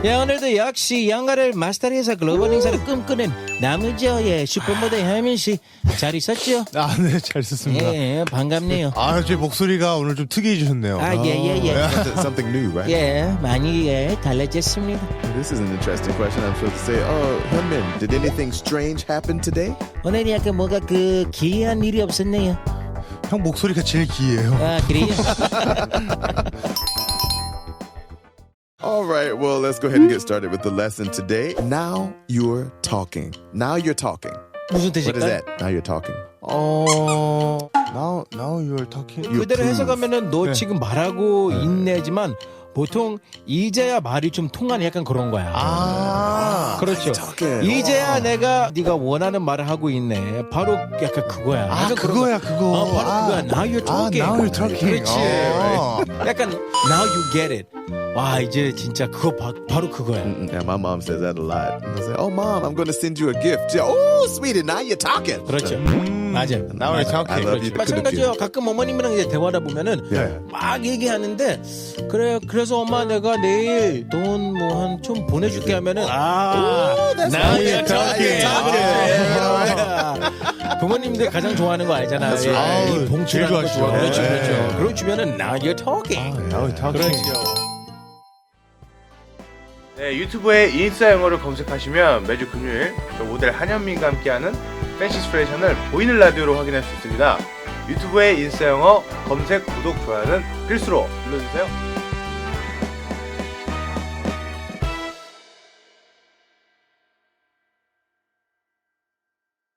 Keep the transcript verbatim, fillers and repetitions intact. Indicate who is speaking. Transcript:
Speaker 1: 야, 오늘도 역시 영가를 마스터리에서 글로벌 행사를 꿈꾸는 남우저의 슈퍼모델 혜민 씨 잘 있었죠?
Speaker 2: 아, 네, 잘 있었습니다.
Speaker 1: 예, 반갑네요.
Speaker 2: 아, 제 목소리가 오늘 좀 특이해지셨네요.
Speaker 1: 아, 예, 예, 예.
Speaker 3: Something, something new, right?
Speaker 1: 예, 많이 예, 달라졌습니다.
Speaker 3: This is an interesting question. I'm supposed to say, oh, Hyunmin, did anything strange happen today?
Speaker 1: 오늘 약간 뭐가 그 기이한 일이 없었네요.
Speaker 2: 형 목소리가 제일 기이해요.
Speaker 1: 아, 그래요?
Speaker 3: All right, well, let's go ahead and get started with the lesson today. Now you're talking. Now you're talking.
Speaker 1: 무슨
Speaker 3: What is
Speaker 1: 뜻일까요?
Speaker 3: that? Now you're talking.
Speaker 2: 어, now, now you're talking.
Speaker 1: 그대로 해석하면은 너
Speaker 2: 네.
Speaker 1: 지금 말하고 있네지만 보통 이제야 말이 좀 통하는 약간 그런 거야.
Speaker 2: 아,
Speaker 1: 그렇죠.
Speaker 3: talking.
Speaker 1: 이제야 내가 네가 원하는 말을 하고 있네. 바로 약간 그거야.
Speaker 2: 아,
Speaker 1: 약간 그런
Speaker 2: 그거야,
Speaker 1: 거.
Speaker 2: 그거.
Speaker 1: 어, 바로
Speaker 2: 아,
Speaker 1: 그거야. Now you're
Speaker 2: 아,
Speaker 1: talking.
Speaker 2: now you're talking.
Speaker 1: 그렇지.
Speaker 2: 어.
Speaker 1: 약간 now you get it. 와, 이제 진짜 그거 바, 바로 그거야.
Speaker 3: Mm-mm. Yeah, my mom says that a lot. And I say, oh, mom, I'm going to send you a gift. She, oh, sweetie, now you're talking.
Speaker 1: 그렇죠. 맞아.
Speaker 2: Now you're talking.
Speaker 3: I love you.
Speaker 1: 마찬가지요. 가끔 어머님이랑 이제 대화하다 보면은
Speaker 3: 네.
Speaker 1: 막 얘기하는데 그래 그래서 엄마 내가 내일 돈 뭐 한 좀 보내줄게 하면은 아 now you're talking. 아, 부모님들 가장 좋아하는 거 알잖아.
Speaker 3: That's
Speaker 1: 예,
Speaker 3: right.
Speaker 1: 이 봉투라는 거
Speaker 2: 제일
Speaker 1: 좋아.
Speaker 2: 좋아하죠.
Speaker 1: 그렇죠,
Speaker 2: 네.
Speaker 1: 그렇죠. 그걸 주면은 now you're talking.
Speaker 2: now you're talking.
Speaker 4: 네, 유튜브에 인싸 영어를 검색하시면 매주 금요일 저 모델 한현민과 함께하는 팬시스프레이션을 보이는 라디오로 확인할 수 있습니다. 유튜브에 인싸 영어 검색, 구독, 좋아요는 필수로 눌러주세요.